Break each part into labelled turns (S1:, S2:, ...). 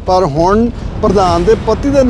S1: ਪਰ ਹੁਣ ਪ੍ਰਧਾਨ ਦੇ ਪਤੀ ਦੇ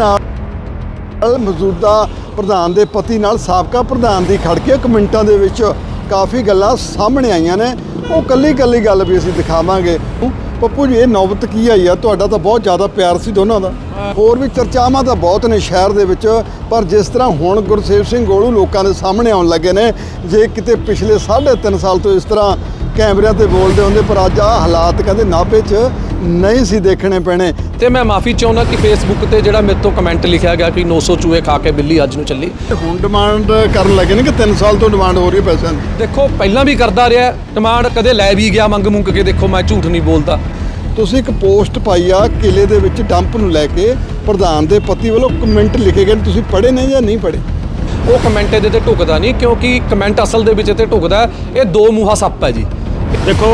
S1: ਨਾਲ ਮੌਜੂਦਾ ਪ੍ਰਧਾਨ ਦੇ ਪਤੀ ਨਾਲ ਸਾਬਕਾ ਪ੍ਰਧਾਨ ਦੀ ਖੜ ਕੇ ਕਮੈਂਟਾਂ ਦੇ ਵਿੱਚ ਕਾਫੀ ਗੱਲਾਂ ਸਾਹਮਣੇ ਆਈਆਂ ਨੇ। ਉਹ ਕੱਲੀ ਗੱਲ ਵੀ ਅਸੀਂ ਦਿਖਾਵਾਂਗੇ। ਪੱਪੂ ਜੀ, ਇਹ ਨੌਬਤ ਕੀ ਆਈ ਆ? ਤੁਹਾਡਾ ਤਾਂ ਬਹੁਤ ਜ਼ਿਆਦਾ ਪਿਆਰ ਸੀ ਦੋਨਾਂ ਦਾ, ਹੋਰ ਵੀ ਚਰਚਾਵਾਂ ਤਾਂ ਬਹੁਤ ਨੇ ਸ਼ਹਿਰ ਦੇ ਵਿੱਚ, ਪਰ ਜਿਸ ਤਰ੍ਹਾਂ ਹੁਣ ਗੁਰਸੇਵ ਸਿੰਘ ਗੋਲੂ ਲੋਕਾਂ ਦੇ ਸਾਹਮਣੇ ਆਉਣ ਲੱਗੇ ਨੇ, ਜੇ ਕਿਤੇ ਪਿਛਲੇ 3.5 ਸਾਲ ਤੋਂ ਇਸ ਤਰ੍ਹਾਂ ਕੈਮਰਿਆਂ ਤੇ ਬੋਲਦੇ ਹੁੰਦੇ, ਪਰ ਅੱਜ ਆਹ ਹਾਲਾਤ ਕਹਿੰਦੇ ਨਾਭੇ 'ਚ ਨਹੀਂ ਸੀ ਦੇਖਣੇ ਪੈਣੇ।
S2: ਤੇ ਮੈਂ ਮਾਫੀ ਚਾਹੁੰਦਾ ਕਿ ਫੇਸਬੁੱਕ ਤੇ ਜਿਹੜਾ ਮੇਰੇ ਤੋਂ ਕਮੈਂਟ ਲਿਖਿਆ ਗਿਆ ਕਿ 900 ਚੂਹੇ ਖਾ ਕੇ ਬਿੱਲੀ ਅੱਜ ਨੂੰ ਚੱਲੀ।
S1: ਹੁਣ ਡਿਮਾਂਡ ਕਰਨ ਲੱਗੇ ਨੇ ਕਿ 3 ਸਾਲ ਤੋਂ ਡਿਮਾਂਡ ਹੋ ਰਹੀ ਹੈ ਪੈਸਿਆਂ ਦੀ।
S2: ਦੇਖੋ ਪਹਿਲਾਂ ਵੀ ਕਰਦਾ ਰਿਹਾ ਡਿਮਾਂਡ, ਕਦੇ ਲੈ ਵੀ ਗਿਆ ਮੰਗ ਕੇ। ਦੇਖੋ ਮੈਂ ਝੂਠ ਨਹੀਂ ਬੋਲਦਾ।
S1: ਤੁਸੀਂ ਇੱਕ ਪੋਸਟ ਪਾਈ ਆ ਕਿਲੇ ਦੇ ਵਿੱਚ ਡੰਪ ਨੂੰ ਲੈ ਕੇ, ਪ੍ਰਧਾਨ ਦੇ ਪਤੀ ਵੱਲੋਂ ਕਮੈਂਟ ਲਿਖੇ ਗਏ, ਤੁਸੀਂ ਪੜ੍ਹੇ ਨੇ ਜਾਂ ਨਹੀਂ ਪੜ੍ਹੇ?
S2: ਉਹ ਕਮੈਂਟ ਇਹਦੇ ਤੇ ਢੁਕਦਾ ਨਹੀਂ, ਕਿਉਂਕਿ ਕਮੈਂਟ ਅਸਲ ਦੇ ਵਿੱਚ ਤੇ ਢੁਕਦਾ। ਇਹ ਦੋ ਮੂੰਹਾ ਸੱਪ ਹੈ ਜੀ।
S3: ਦੇਖੋ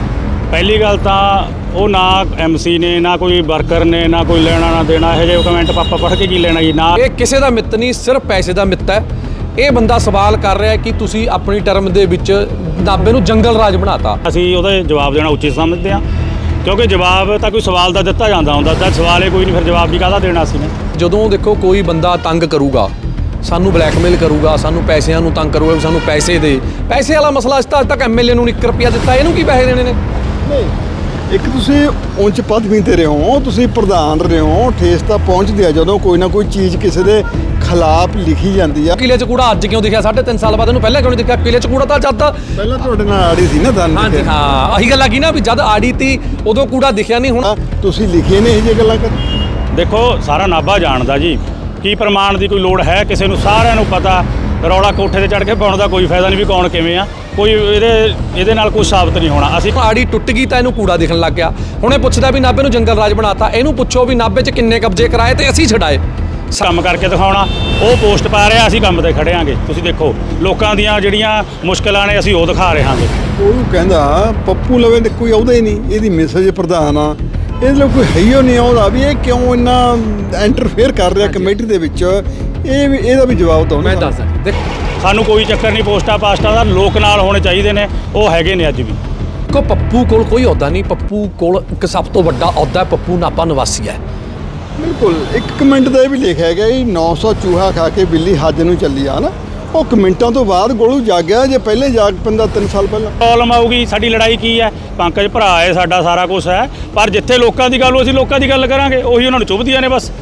S3: ਪਹਿਲੀ ਗੱਲ ਤਾਂ ਉਹ ਨਾ MC ਨੇ, ਨਾ ਕੋਈ ਵਰਕਰ ਨੇ, ਨਾ ਕੋਈ ਲੈਣਾ ਨਾ ਦੇਣਾ। ਇਹੋ ਜਿਹੇ ਕਮੈਂਟ ਪਾਪਾ ਪੜ੍ਹ ਕੇ ਕੀ ਲੈਣਾ ਜੀ? ਨਾ,
S2: ਇਹ ਕਿਸੇ ਦਾ ਮਿੱਤ ਨਹੀਂ, ਸਿਰਫ ਪੈਸੇ ਦਾ ਮਿੱਤ ਹੈ। ਇਹ ਬੰਦਾ ਸਵਾਲ ਕਰ ਰਿਹਾ ਕਿ ਤੁਸੀਂ ਆਪਣੀ ਟਰਮ ਦੇ ਵਿੱਚ ਨਾਭੇ ਨੂੰ ਜੰਗਲ ਰਾਜ ਬਣਾਤਾ।
S3: ਅਸੀਂ ਉਹਦਾ ਜਵਾਬ ਦੇਣਾ ਉਚਿਤ ਸਮਝਦੇ ਹਾਂ, ਕਿਉਂਕਿ ਜਵਾਬ ਤਾਂ ਕੋਈ ਸਵਾਲ ਦਾ ਦਿੱਤਾ ਜਾਂਦਾ ਹੁੰਦਾ, ਤਾਂ ਸਵਾਲ ਹੀ ਕੋਈ ਨਹੀਂ, ਫਿਰ ਜਵਾਬ ਵੀ ਕਾਹਦਾ ਦੇਣਾ ਸੀ ਨੇ।
S2: ਜਦੋਂ ਦੇਖੋ ਕੋਈ ਬੰਦਾ ਤੰਗ ਕਰੂਗਾ, ਸਾਨੂੰ ਬਲੈਕਮੇਲ ਕਰੂਗਾ, ਸਾਨੂੰ ਪੈਸਿਆਂ ਨੂੰ ਤੰਗ ਕਰੂਗਾ, ਸਾਨੂੰ ਪੈਸੇ ਦੇ, ਪੈਸੇ ਵਾਲਾ ਮਸਲਾ ਅੱਜ ਤੱਕ MLA ਨੂੰ 1 ਰੁਪਿਆ ਦਿੱਤਾ, ਇਹਨੂੰ ਕੀ ਪੈਸੇ ਦੇਣੇ ਨੇ?
S1: ਨਹੀਂ, ਇੱਕ ਤੁਸੀਂ ਉੱਚ ਪਦਵੀ ਤੇ ਰਹੇ ਹੋ, ਤੁਸੀਂ ਪ੍ਰਧਾਨ ਰਹੇ ਹੋ, ਠੇਸ ਤਾਂ ਪਹੁੰਚਦੀ ਆ ਜਦੋਂ ਕੋਈ ਨਾ ਕੋਈ ਚੀਜ਼ ਕਿਸੇ ਦੇ ਖਿਲਾਫ ਲਿਖੀ ਜਾਂਦੀ ਆ।
S2: ਕਿਲੇ 'ਚ ਕੂੜਾ ਅੱਜ ਕਿਉਂ ਦਿਖਿਆ? 3.5 ਸਾਲ ਬਾਅਦ ਇਹਨੂੰ ਪਹਿਲਾਂ ਕਿਉਂ ਨਹੀਂ ਦਿਖਿਆ? ਕਿਲੇ 'ਚ ਕੂੜਾ ਤਾਂ ਜਦ
S1: ਪਹਿਲਾਂ ਤੁਹਾਡੇ ਨਾਲ ਆੜੀ ਸੀ ਨਾ ਤੁਹਾਨੂੰ।
S2: ਹਾਂਜੀ ਹਾਂ, ਆਹੀ ਗੱਲ ਆ ਗਈ ਨਾ ਵੀ ਜਦ ਆੜੀ ਤੀ ਉਦੋਂ ਕੂੜਾ ਦਿਖਿਆ ਨਹੀਂ। ਹੁਣ
S1: ਤੁਸੀਂ ਲਿਖੇ ਨੇ ਇਹ ਜਿਹੀ ਗੱਲਾਂ ਕਰ।
S3: ਦੇਖੋ ਸਾਰਾ ਨਾਭਾ ਜਾਣਦਾ ਜੀ, ਕੀ ਪ੍ਰਮਾਣ ਦੀ ਕੋਈ ਲੋੜ ਹੈ ਕਿਸੇ ਨੂੰ? ਸਾਰਿਆਂ ਨੂੰ ਪਤਾ। ਰੌਲਾ ਕੋਠੇ ਤੇ ਚੜ੍ਹ ਕੇ ਪਾਉਣ ਦਾ ਕੋਈ ਫਾਇਦਾ ਨਹੀਂ ਵੀ ਕੌਣ ਕਿਵੇਂ ਆ, ਕੋਈ ਇਹਦੇ ਨਾਲ ਕੋਈ ਸਾਬਤ ਨਹੀਂ ਹੋਣਾ। ਅਸੀਂ
S2: ਆੜੀ ਟੁੱਟ ਗਈ ਤਾਂ ਇਹਨੂੰ ਕੂੜਾ ਦਿਖਣ ਲੱਗ ਗਿਆ। ਹੁਣ ਇਹ ਪੁੱਛਦਾ ਵੀ ਨਾਭੇ ਨੂੰ ਜੰਗਲ ਰਾਜ ਬਣਾਤਾ। ਇਹਨੂੰ ਪੁੱਛੋ ਵੀ ਨਾਭੇ 'ਚ ਕਿੰਨੇ ਕਬਜ਼ੇ ਕਰਾਏ ਤੇ ਅਸੀਂ ਛਡਾਏ।
S3: ਕੰਮ ਕਰਕੇ ਦਿਖਾਉਣਾ, ਉਹ ਪੋਸਟ ਪਾ ਰਿਹਾ, ਅਸੀਂ ਕੰਮ ਤੇ ਖੜੇ ਆਂਗੇ। ਤੁਸੀਂ ਦੇਖੋ ਲੋਕਾਂ ਦੀਆਂ ਜਿਹੜੀਆਂ ਮੁਸ਼ਕਲਾਂ ਨੇ ਅਸੀਂ ਉਹ ਦਿਖਾ ਰਹੇ ਹਾਂਗੇ।
S1: ਉਹ ਕਹਿੰਦਾ ਪੱਪੂ ਲਵੇ ਤੇ ਕੋਈ ਆਉਂਦਾ ਹੀ ਨਹੀਂ, ਇਹਦੀ ਮੈਸੇਜ ਪ੍ਰਧਾਨ ਆ, ਇਹਦੇ ਲਈ ਕੋਈ ਹੈ ਹੀ ਨਹੀਂ ਆਉਂਦਾ ਵੀ ਇਹ ਕਿਉਂ ਇੰਨਾ ਇੰਟਰਫੇਅਰ ਕਰ ਰਿਹਾ ਕਮੇਟੀ ਦੇ ਵਿੱਚ। ਇਹ ਵੀ ਇਹਦਾ ਵੀ ਜਵਾਬ ਦਿਓ।
S2: ਮੈਂ ਦੱਸਦਾ ਦੇਖ,
S3: ਸਾਨੂੰ ਕੋਈ ਚੱਕਰ ਨਹੀਂ ਪੋਸਟਾਂ ਪਾਸਟਾਂ ਦਾ, ਲੋਕ ਨਾਲ ਹੋਣੇ ਚਾਹੀਦੇ ਨੇ, ਉਹ ਹੈਗੇ ਨੇ ਅੱਜ ਵੀ।
S2: ਕੋ ਪੱਪੂ ਕੋਲ ਕੋਈ ਅਹੁਦਾ ਨਹੀਂ। ਪੱਪੂ ਕੋਲ ਇੱਕ ਸਭ ਤੋਂ ਵੱਡਾ ਅਹੁਦਾ ਹੈ, ਪੱਪੂ ਨਾਭਾ ਨਿਵਾਸੀ ਹੈ।
S1: ਬਿਲਕੁਲ। ਇੱਕ ਕਮੈਂਟ ਦਾ ਇਹ ਵੀ ਲਿਖਿਆ ਗਿਆ ਕਿ 900 ਚੂਹਾ ਖਾ ਕੇ ਬਿੱਲੀ ਹੱਜ ਨੂੰ ਚੱਲੀ ਆ ਨਾ। ਉਹ ਕਮੈਂਟਾਂ ਤੋਂ ਬਾਅਦ ਗੋਲੂ ਜਾਗਿਆ, ਜੇ ਪਹਿਲੇ ਜਾਗ ਪੈਂਦਾ 3 ਸਾਲ ਪਹਿਲਾਂ।
S3: ਪ੍ਰੋਬਲਮ ਆਊਗੀ। ਸਾਡੀ ਲੜਾਈ ਕੀ ਹੈ? ਪੰਕਜ ਭਰਾ ਹੈ ਸਾਡਾ, ਸਾਰਾ ਕੁਝ ਹੈ, ਪਰ ਜਿੱਥੇ ਲੋਕਾਂ ਦੀ ਗੱਲ, ਅਸੀਂ ਲੋਕਾਂ ਦੀ ਗੱਲ ਕਰਾਂਗੇ, ਉਹੀ ਉਹਨਾਂ ਨੂੰ ਚੁੱਭਦੀਆਂ ਨੇ ਬਸ।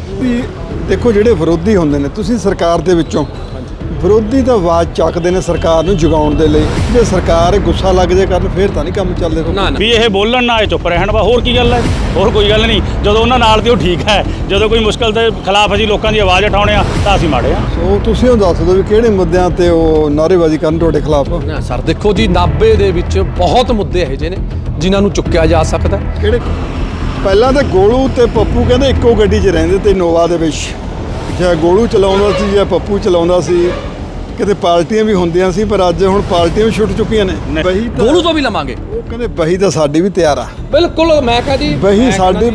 S1: ਦੇਖੋ ਜਿਹੜੇ ਵਿਰੋਧੀ ਹੁੰਦੇ ਨੇ, ਤੁਸੀਂ ਸਰਕਾਰ ਦੇ ਵਿੱਚੋਂ ਵਿਰੋਧੀ ਤਾਂ ਆਵਾਜ਼ ਚੱਕਦੇ ਨੇ ਸਰਕਾਰ ਨੂੰ ਜਗਾਉਣ ਦੇ ਲਈ। ਜੇ ਸਰਕਾਰ ਗੁੱਸਾ ਲੱਗ ਜੇ ਕਰਨ ਫਿਰ ਤਾਂ ਨਹੀਂ ਕੰਮ ਚੱਲਦੇ।
S2: ਨਾ ਨਾ,
S3: ਵੀ ਇਹ ਬੋਲਣ ਨਾ, ਇਹ ਚੁੱਪ ਰਹਿਣ, ਵਾ ਹੋਰ ਕੀ ਗੱਲ ਹੈ? ਹੋਰ ਕੋਈ ਗੱਲ ਨਹੀਂ। ਜਦੋਂ ਉਹਨਾਂ ਨਾਲ ਤੇ ਉਹ ਠੀਕ ਹੈ, ਜਦੋਂ ਕੋਈ ਮੁਸ਼ਕਲ ਦੇ ਖਿਲਾਫ ਅਸੀਂ ਲੋਕਾਂ ਦੀ ਆਵਾਜ਼ ਉਠਾਉਣੇ ਆ ਤਾਂ ਅਸੀਂ ਮਾੜੇ ਆ।
S1: ਸੋ ਤੁਸੀਂ ਉਹ ਦੱਸ ਦਿਓ ਵੀ ਕਿਹੜੇ ਮੁੱਦਿਆਂ ਤੇ ਉਹ ਨਾਅਰੇਬਾਜ਼ੀ ਕਰਨ ਤੁਹਾਡੇ ਖਿਲਾਫ?
S2: ਨਾ ਸਰ, ਦੇਖੋ ਜੀ ਨਾਭੇ ਦੇ ਵਿੱਚ ਬਹੁਤ ਮੁੱਦੇ ਇਹੋ ਜਿਹੇ ਨੇ ਜਿਨ੍ਹਾਂ ਨੂੰ ਚੁੱਕਿਆ ਜਾ ਸਕਦਾ।
S1: ਕਿਹੜੇ? ਪਹਿਲਾਂ ਤਾਂ ਗੋਲੂ ਤੇ ਪੱਪੂ ਕਹਿੰਦੇ ਇੱਕੋ ਗੱਡੀ 'ਚ ਰਹਿੰਦੇ ਤੇ ਇਨੋਵਾ ਦੇ ਵਿੱਚ, ਜਾਂ ਗੋਲੂ ਚਲਾਉਂਦਾ ਸੀ ਜਾਂ ਪੱਪੂ ਚਲਾਉਂਦਾ ਸੀ। ਕਿਤੇ ਪਾਰਟੀਆਂ ਵੀ ਹੁੰਦੀਆਂ ਸੀ, ਪਰ ਅੱਜ ਹੁਣ ਪਾਰਟੀਆਂ ਵੀ ਛੁੱਟ ਚੁੱਕੀਆਂ ਨੇ।
S2: ਗੋਲੂ ਤੋਂ ਵੀ ਲਵਾਂਗੇ।
S1: ਉਹ ਕਹਿੰਦੇ ਬਹੀ ਤਾਂ ਸਾਡੀ ਵੀ ਤਿਆਰ ਆ।
S2: ਬਿਲਕੁਲ, ਮੈਂ ਕਹਾਂ ਜੀ
S1: ਬਹੀ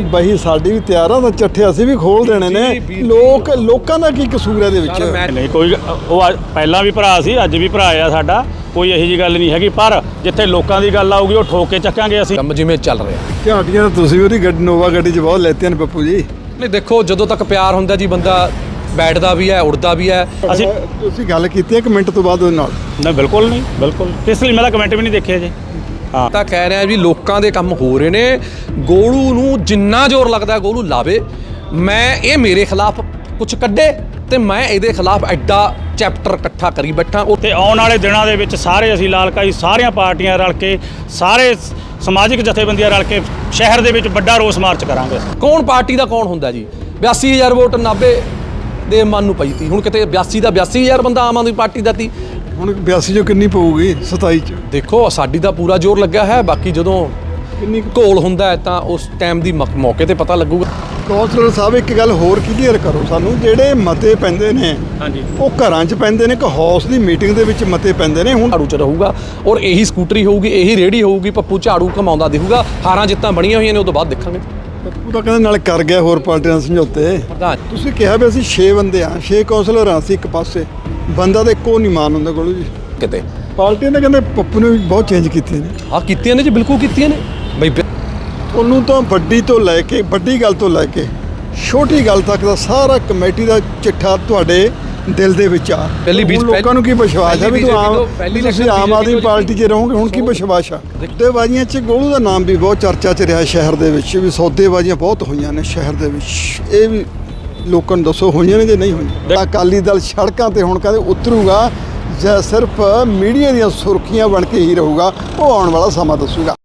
S1: ਸਾਡੀ ਵੀ ਤਿਆਰ ਆ, ਤਾਂ ਚੱਠੇ ਅਸੀਂ ਵੀ ਖੋਲ ਦੇਣੇ ਨੇ। ਲੋਕਾਂ ਦਾ ਕੀ ਕਸੂਰ ਹੈ ਇਹਦੇ ਵਿੱਚ?
S3: ਨਹੀਂ ਕੋਈ, ਉਹ ਪਹਿਲਾਂ ਵੀ ਭਰਾ ਸੀ, ਅੱਜ ਵੀ ਭਰਾ ਆ ਸਾਡਾ, ਕੋਈ ਇਹੋ ਜਿਹੀ ਗੱਲ ਨਹੀਂ ਹੈਗੀ। ਪਰ ਜਿੱਥੇ ਲੋਕਾਂ ਦੀ ਗੱਲ ਆਊਗੀ ਉਹ ਠੋਕ ਕੇ ਚੱਕਾਂਗੇ ਅਸੀਂ।
S2: ਕੰਮ ਜਿਵੇਂ ਚੱਲ ਰਿਹਾ।
S1: ਝਾਟੀਆਂ ਤਾਂ ਤੁਸੀਂ ਉਹਦੀ ਗੱਡੀ ਨੋਵਾ ਗੱਡੀ 'ਚ ਬਹੁਤ ਲੈਤੀਆਂ ਨੇ ਪੱਪੂ ਜੀ।
S2: ਨਹੀਂ ਦੇਖੋ, ਜਦੋਂ ਤੱਕ ਪਿਆਰ ਹੁੰਦਾ ਜੀ, ਬੰਦਾ ਬੈਠਦਾ ਵੀ ਹੈ, ਉੜਦਾ ਵੀ ਹੈ।
S1: ਤੁਸੀਂ ਗੱਲ ਕੀਤੀ ਹੈ ਕਮੈਂਟ ਤੋਂ ਬਾਅਦ ਉਹਦੇ ਨਾਲ?
S3: ਨਹੀਂ ਬਿਲਕੁਲ ਨਹੀਂ, ਬਿਲਕੁਲ। ਇਸ ਲਈ ਮੈਂ ਤਾਂ ਕਮੈਂਟ ਵੀ ਨਹੀਂ ਦੇਖਿਆ ਜੀ। ਹਾਂ,
S2: ਤਾਂ ਕਹਿ ਰਿਹਾ ਵੀ ਲੋਕਾਂ ਦੇ ਕੰਮ ਹੋ ਰਹੇ ਨੇ। ਗੋਲੂ ਨੂੰ ਜਿੰਨਾ ਜ਼ੋਰ ਲੱਗਦਾ ਗੋਲੂ ਲਾਵੇ। ਮੈਂ ਇਹ ਮੇਰੇ ਖਿਲਾਫ ਕੁਝ ਕੱਢੇ ਤੇ ਮੈਂ ਇਹਦੇ ਖਿਲਾਫ ਐਡਾ ਚੈਪਟਰ ਇਕੱਠਾ ਕਰੀ ਬੈਠਾ।
S3: ਤੇ ਆਉਣ ਵਾਲੇ ਦਿਨਾਂ ਦੇ ਵਿੱਚ ਸਾਰੇ ਅਸੀਂ ਲਾਲਕਾਈ ਸਾਰੀਆਂ ਪਾਰਟੀਆਂ ਰਲ ਕੇ, ਸਾਰੇ ਸਮਾਜਿਕ ਜਥੇਬੰਦੀਆਂ ਰਲ ਕੇ ਸ਼ਹਿਰ ਦੇ ਵਿੱਚ ਵੱਡਾ ਰੋਸ ਮਾਰਚ ਕਰਾਂਗੇ।
S2: ਕੌਣ ਪਾਰਟੀ ਦਾ ਕੌਣ ਹੁੰਦਾ ਜੀ? 82,000 ਵੋਟ ਨਾਭੇ ਦੇ ਮਨ ਨੂੰ ਪਈ ਤੀ। ਹੁਣ ਕਿਤੇ 82 ਦਾ 82,000 ਬੰਦਾ ਆਮ ਆਦਮੀ ਪਾਰਟੀ ਦਾ ਤੀ।
S1: ਹੁਣ 82 ਚੋਂ ਕਿੰਨੀ ਪਊਗੀ? 27 ਚ।
S2: ਦੇਖੋ ਸਾਡੀ ਦਾ ਪੂਰਾ ਜ਼ੋਰ ਲੱਗਿਆ ਹੈ। ਬਾਕੀ ਜਦੋਂ
S1: ਕਿੰਨੀ
S2: ਘੋਲ ਹੁੰਦਾ ਹੈ ਤਾਂ ਉਸ ਟਾਈਮ ਦੀ ਮੌਕੇ ਤੇ ਪਤਾ ਲੱਗੂਗਾ।
S1: ਕੌਂਸਲਰ ਸਾਹਿਬ, ਇੱਕ ਗੱਲ ਹੋਰ ਕਲੀਅਰ ਕਰੋ ਸਾਨੂੰ, ਜਿਹੜੇ ਮਤੇ ਪੈਂਦੇ ਨੇ
S3: ਹਾਂਜੀ,
S1: ਉਹ ਘਰਾਂ 'ਚ ਪੈਂਦੇ ਨੇ ਕਿ ਹਾਊਸ ਦੀ ਮੀਟਿੰਗ ਦੇ ਵਿੱਚ ਮਤੇ ਪੈਂਦੇ ਨੇ? ਹੁਣ
S2: ਝਾੜੂ 'ਚ ਰਹੂਗਾ ਔਰ ਇਹੀ ਸਕੂਟਰੀ ਹੋਊਗੀ, ਇਹੀ ਰੇਹੜੀ ਹੋਊਗੀ, ਪੱਪੂ ਝਾੜੂ ਘਮਾਉਂਦਾ ਦਿਖੂਗਾ। ਹਾਰਾਂ ਜਿੱਤਾਂ ਬਣੀਆਂ ਹੋਈਆਂ ਨੇ, ਉਹ ਤੋਂ ਬਾਅਦ ਦੇਖਾਂਗੇ।
S1: ਪੱਪੂ ਤਾਂ ਕਹਿੰਦੇ ਨਾਲ ਕਰ ਗਿਆ ਹੋਰ ਪਾਰਟੀਆਂ ਨਾਲ ਸਮਝੌਤੇ।
S2: ਪ੍ਰਧਾਨ
S1: ਤੁਸੀਂ ਕਿਹਾ ਵੀ ਅਸੀਂ 6 ਬੰਦੇ ਆ, 6 ਕੌਂਸਲਰ ਆ ਅਸੀਂ ਇੱਕ ਪਾਸੇ, ਬੰਦਾ ਤਾਂ ਇੱਕੋ ਨਹੀਂ ਮਾਨ ਹੁੰਦਾ ਗੋਲੂ ਜੀ।
S2: ਕਿਤੇ
S1: ਪਾਰਟੀਆਂ ਨੇ ਕਹਿੰਦੇ ਪੱਪੂ ਨੇ ਵੀ ਬਹੁਤ ਚੇਂਜ ਕੀਤੀਆਂ ਨੇ।
S2: ਹਾਂ ਕੀਤੀਆਂ ਨੇ ਜੀ, ਬਿਲਕੁਲ ਕੀਤੀਆਂ ਨੇ ਬਈ।
S1: ਉਹਨੂੰ ਤਾਂ ਵੱਡੀ ਤੋਂ ਲੈ ਕੇ ਵੱਡੀ ਗੱਲ ਤੋਂ ਲੈ ਕੇ ਛੋਟੀ ਗੱਲ ਤੱਕ ਦਾ ਸਾਰਾ ਕਮੇਟੀ ਦਾ ਚਿੱਠਾ ਤੁਹਾਡੇ ਦਿਲ ਦੇ ਵਿੱਚ ਆ।
S2: ਪਹਿਲੀ
S1: ਹੁਣ ਲੋਕਾਂ ਨੂੰ ਕੀ ਵਿਸ਼ਵਾਸ ਹੈ ਵੀ ਤੁਸੀਂ ਆਮ ਆਦਮੀ ਪਾਰਟੀ 'ਚ ਰਹੋਗੇ? ਹੁਣ ਕੀ ਵਿਸ਼ਵਾਸ ਆ? ਸੌਦੇਬਾਜ਼ੀਆਂ 'ਚ ਗੋਲੂ ਦਾ ਨਾਮ ਵੀ ਬਹੁਤ ਚਰਚਾ 'ਚ ਰਿਹਾ ਸ਼ਹਿਰ ਦੇ ਵਿੱਚ, ਵੀ ਸੌਦੇਬਾਜ਼ੀਆਂ ਬਹੁਤ ਹੋਈਆਂ ਨੇ ਸ਼ਹਿਰ ਦੇ ਵਿੱਚ। ਇਹ ਵੀ ਲੋਕਾਂ ਨੂੰ ਦੱਸੋ ਹੋਈਆਂ ਨੇ ਜਾਂ ਨਹੀਂ ਹੋਈਆਂ? ਅਕਾਲੀ ਦਲ ਸੜਕਾਂ ਤੇ ਹੁਣ ਕਹਿੰਦੇ ਉਤਰੂਗਾ ਜਾਂ ਸਿਰਫ ਮੀਡੀਆ ਦੀਆਂ ਸੁਰਖੀਆਂ ਬਣ ਕੇ ਹੀ ਰਹੂਗਾ, ਉਹ ਆਉਣ ਵਾਲਾ ਸਮਾਂ ਦੱਸੂਗਾ।